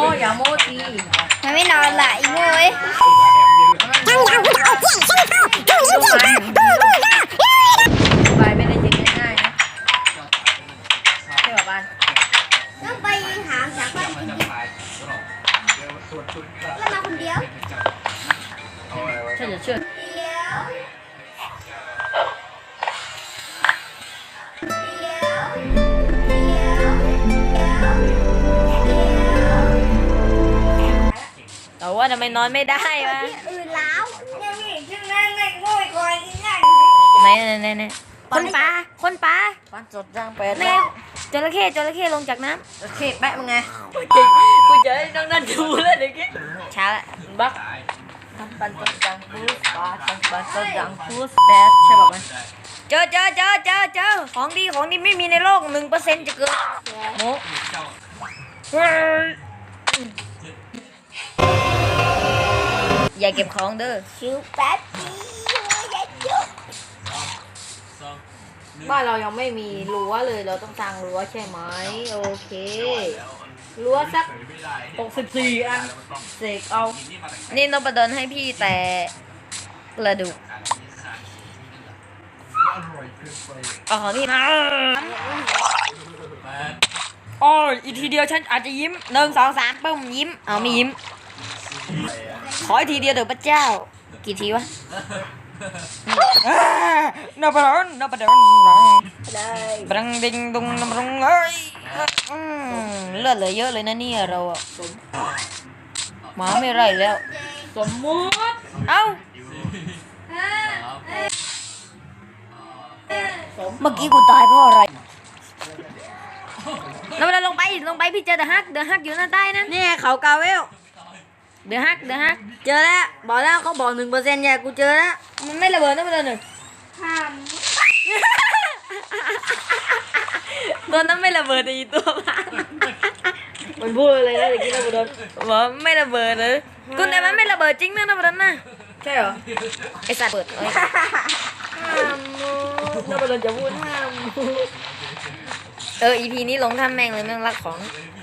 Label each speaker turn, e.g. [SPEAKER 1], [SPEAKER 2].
[SPEAKER 1] อย่าโม้ที
[SPEAKER 2] มันไม่นอนละอีโง่เอ้ย
[SPEAKER 1] ไปไม่ได้ยิงง่ายๆนะใช่ป่ะบ้าน
[SPEAKER 2] ต้องไปหาจากบ้านคนเดียวแล้วมาคนเดียว
[SPEAKER 1] ฉันจะเชื่อ
[SPEAKER 2] เดียว
[SPEAKER 1] แต่ว่าทำไมนอนไม่ได้วะ
[SPEAKER 2] ที่อื่นแล้วยังมีชื่อนั่นไม่ง่อยก่อนอีกนั่น
[SPEAKER 1] ไหนคนปลาบ้านจดจังเป็ด
[SPEAKER 2] แม่
[SPEAKER 1] จระเข้ลงจากน้ำจระเข้แปะมึงไงกูจะให้น้องนั่นดูแล้วเด็กกี้ช้าละบักทำปันจดจังพูสปลาทำปันจดจังพูสแปดใช่ป่ะมันเจอของดีไม่มีในโลก1%จะเกิดโมอย่าเก็บของเด้อ
[SPEAKER 2] ชิวแป๊บเดียวอย่าจุก
[SPEAKER 1] บ้านเรายังไม่มีรั้วเลยเราต้องสร้างรั้วใช่ไหมโอเครั้วสัก64อันเสกเอานี่นพดลให้พี่แต่กระดูกเอาของพี่มาโอ้ยอีกทีเดียวฉันอาจจะยิ้ม1 2 3ปึ้มยิ้มเอาไม่ยิ้มขออีกทีเดียวเดี๋ยวพระเจ้ากี่ทีวะนพดล
[SPEAKER 2] เลย
[SPEAKER 1] บรังดิงดุงนำรงเลยเลือดเหลือเยอะเลยนะเนี่ยเราอะหมาไม่ไรแล้วสมมุติเอ้าเมื่อกี้กูตายเพราะอะไรเราลงไปพี่เจอเดอะฮักอยู่หน้าใต้นั่นนี่เขากาเวลเดอะฮักเจอแล้วบอกแล้วเขาบอก1%เนี่ยกูเจอแล้วมันไม่ระเบิดนะมันเลยหนึ่ง
[SPEAKER 2] ห้าม
[SPEAKER 1] ตัวนั้นไม่ระเบิดอีตัวมันพูดเลยนะเด็กกี้นะบุดนบอกไม่ระเบิดเลยกูแต่มันไม่ระเบิดจริงนะบุดนนะใช่เหรอไอสัตว์เปิดห้ามนะบุดนจะพูดห้ามอีพีนี้ลงท่าแม่งเลยแม่งรักของ